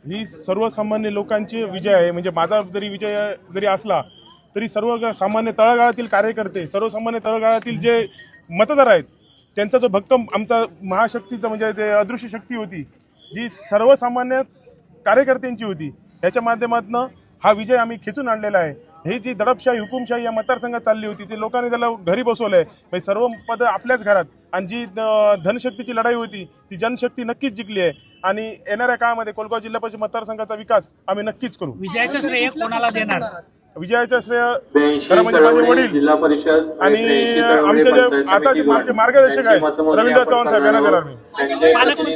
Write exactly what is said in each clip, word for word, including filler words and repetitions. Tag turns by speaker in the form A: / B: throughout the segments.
A: ही सर्वसामान्य लोकांची विजय आहे. म्हणजे माझा जरी विजय जरी असला तरी सर्व सामान्य तळागाळातील कार्यकर्ते, सर्वसामान्य तळागाळातील जे मतदार आहेत त्यांचा जो भक्कम आमचा महाशक्तीचा म्हणजे जे अदृश्य शक्ती होती जी सर्वसामान्य कार्यकर्त्यांची होती, याच्या माध्यमातून हा विजय आम्ही खेचून आणलेला आहे. ही जी दडपशाही हुकुमशाही या मतदारसंघात चालली होती ती लोकांनी त्याला घरी बसवलं आहे. म्हणजे सर्व पद आपल्याच घरात आणि जी धनशक्तीची लढाई होती ती जनशक्ती नक्कीच जिंकली आहे आणि येणाऱ्या काळामध्ये कोलगाव जिल्हा परिषद मतदारसंघाचा विकास आम्ही नक्कीच करू.
B: विजयाचं श्रेय कोणाला देणार?
A: विजयाचं श्रेय खरं म्हणजे माझे वडील
C: जिल्हा परिषद
A: आणि आमचे जे आता जे मार्गदर्शक आहेत रवींद्र चव्हाण साहेब यांना देणार मी.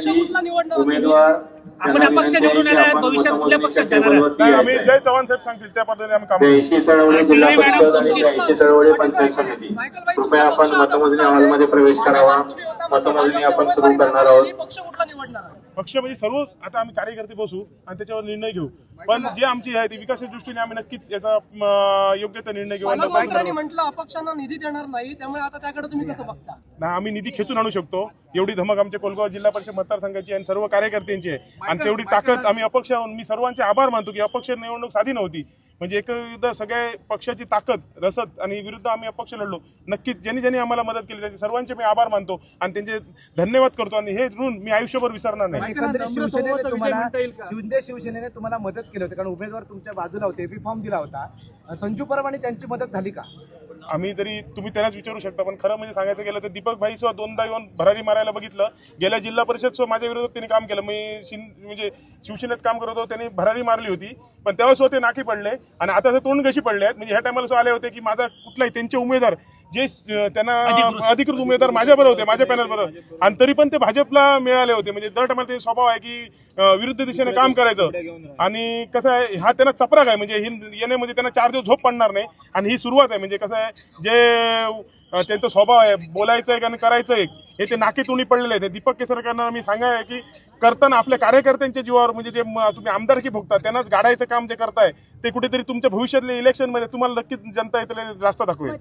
C: उमेदवार
B: आपण अपक्ष निवडून आला, भविष्यात कुठल्या पक्षात जाणार?
A: नाही, आम्ही जय चव्हाण साहेब सांगतील त्या पद्धतीने आम्ही काम करू.
C: ब्याऐंशी चळवळी जिल्हा परिषद आणि ब्याऐंशी चळवळी पंचायत समिती. कृपया आपण मतमोजणी हॉलमध्ये प्रवेश करावा. मतमोजणी आपण सुरू करणार आहोत.
A: पक्ष म्हणजे सर्व आता आम्ही कार्यकर्ते बसू आणि त्याच्यावर निर्णय घेऊ. पण जे आमची आहे ती विकासाच्या दृष्टीने आम्ही नक्कीच याचा योग्य तो निर्णय घेऊ.
D: म्हटलं अपक्षांना निधी देणार नाही, त्यामुळे आता त्याकडे तुम्ही कसं बघता?
A: ना आम्ही निधी खेचून आणू शकतो. एवढी धमक आमच्या कोलगाव जिल्हा परिषद मतदारसंघाची आणि सर्व कार्यकर्त्यांची आहे आणि तेवढी ताकद आम्ही अपक्ष मी सर्वांचे आभार मानतो की अपक्ष निवडणूक साधी नव्हती. म्हणजे एकविध सगळ्या पक्षाची ताकद रसद आणि विरुद्ध आम्ही अपक्ष लढलो. नक्कीच ज्यांनी ज्यांनी आम्हाला मदत केली त्याचे सर्वांचे मी आभार मानतो आणि त्यांचे धन्यवाद करतो आणि हे ऋण मी आयुष्यभर विसरणार नाही.
E: एकंदरीत शिवसेनेने तुम्हाला शिंदे शिवसेनेने तुम्हाला मदत केली होती कारण उमेदवार तुमच्या बाजूला होते, बी फॉर्म दिला होता. संजू परवाने त्यांची मदत झाली का?
A: आम्ही जरी तुम्ही त्यांनाच विचारू शकता पण खरं म्हणजे सांगायचं गेलं तर दीपक भाई सुद्धा दोनदा येऊन भरारी मारायला बघितलं. गेल्या जिल्हा परिषद सुद्धा माझ्या विरोधात त्यांनी काम केलं. मी शिं म्हणजे शिवसेनेत काम करत होतो, त्यांनी भरारी मारली होती पण तेव्हा सुद्धा ते नाकी पडले आणि आता ते तोंड कशी पडले आहेत. म्हणजे ह्या टायमाला सुद्धा आले होते की माझा कुठलाही त्यांचे उमेदवार जे त्यांना अधिकृत उमेदवार माझ्याबरोबर होते, माझ्या पॅनल बरोबर आणि तरी पण ते भाजपला मिळाले होते. म्हणजे दर टायमाला ते स्वभाव आहे की विरुद्ध दिशेने काम करायचं आणि कसं आहे हा त्यांना चपराक आहे. म्हणजे ही येणे म्हणजे त्यांना चार दिवस झोप पडणार नाही आणि ही सुरुवात आहे. म्हणजे कसं आहे जे त्यांचा स्वभाव आहे बोलायचं आहे आणि करायचं आहे हे ते नाके तुणी पडलेले आहेत. दीपक केसरकरांना मी सांगाय आहे की करताना आपल्या कार्यकर्त्यांच्या जीवावर म्हणजे जे तुम्ही आमदारकी भोगता त्यांनाच गाडायचं काम जे करताय ते कुठेतरी तुमच्या भविष्यातल्या इलेक्शनमध्ये तुम्हाला नक्कीच जनता येते रास्ता दाखवेल.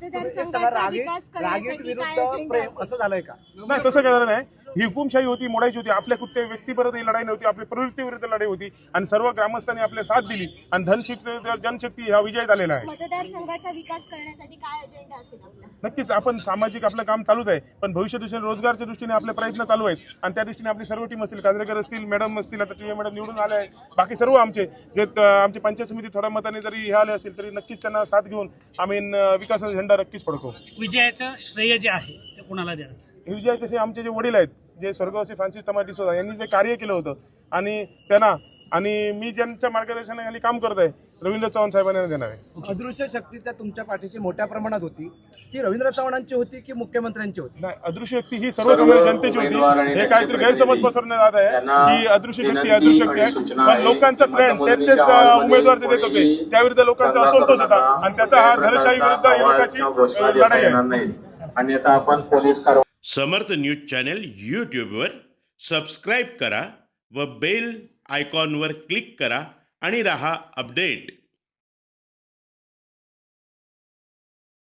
E: असं झालंय का?
A: नाही, तसं काय झालं नाही. ही हुकुमशाही होती, मोडायची होती. आपल्या कुठल्या व्यक्तीपर्यंत ही लढाई नव्हती, आपल्या प्रवृत्तीविरुद्ध लढाई होती आणि सर्व ग्रामस्थांनी आपल्या साथ दिली आणि धनशक्ती जनशक्ती हा विजय झालेला आहे.
F: मतदारसंघाचा विकास करण्यासाठी काय अजेंडा असेल आपला?
A: नक्कीच आपण सामाजिक आपलं काम चालूच आहे पण भविष्य दृष्टीने रोजगारच्या दृष्टीने आपले प्रयत्न चालू आहेत आणि त्या दृष्टीने आपली सर्व टीम असतील, काजरेकर असतील, मॅडम असतील, आता टी मॅडम निवडून आले आहे, बाकी सर्व आमचे जे आमची पंचायत समिती थोड्या मताने जरी हे आले असतील तरी नक्कीच त्यांना साथ घेऊन आम्ही विकासाचा झेंडा नक्कीच फडकवू.
B: विजयाचं श्रेय जे आहे ते कोणाला देणार?
A: हे विजयाचे जे आमचे जे वडील आहेत जे स्वर्गवासी फ्रान्सिस टमास डिसोझा यांनी जे कार्य केलं होतं आणि त्यांना आणि मी ज्यांच्या मार्गदर्शनाखाली काम करत आहे रवींद्र चव्हाण साहेबांना देणार आहे.
E: अदृश्य शक्ती त्या तुमच्या पाठीशी मोठ्या प्रमाणात होती, ती रवींद्र चव्हाणांची होती की मुख्यमंत्र्यांची होती?
A: नाही, अदृश्य शक्ती ही सर्वसामान्य जनतेची होती. हे काहीतरी गैरसमज पसरण्यात जात आहे की अदृश्य शक्ती अदृश्य शक्ती आहे पण लोकांचा ट्रेंड तेच तेच उमेदवार जे देत होते त्याविरुद्ध लोकांचा असंतोष होता आणि त्याचा हा धनशाही विरुद्ध ही लोकांची लढाई आहे.
C: आणि आता आपण पोलीस कारवाई
G: समर्थ न्यूज चॅनल यूट्यूबवर सबस्क्राईब करा व बेल आयकॉनवर क्लिक करा आणि रहा अपडेट.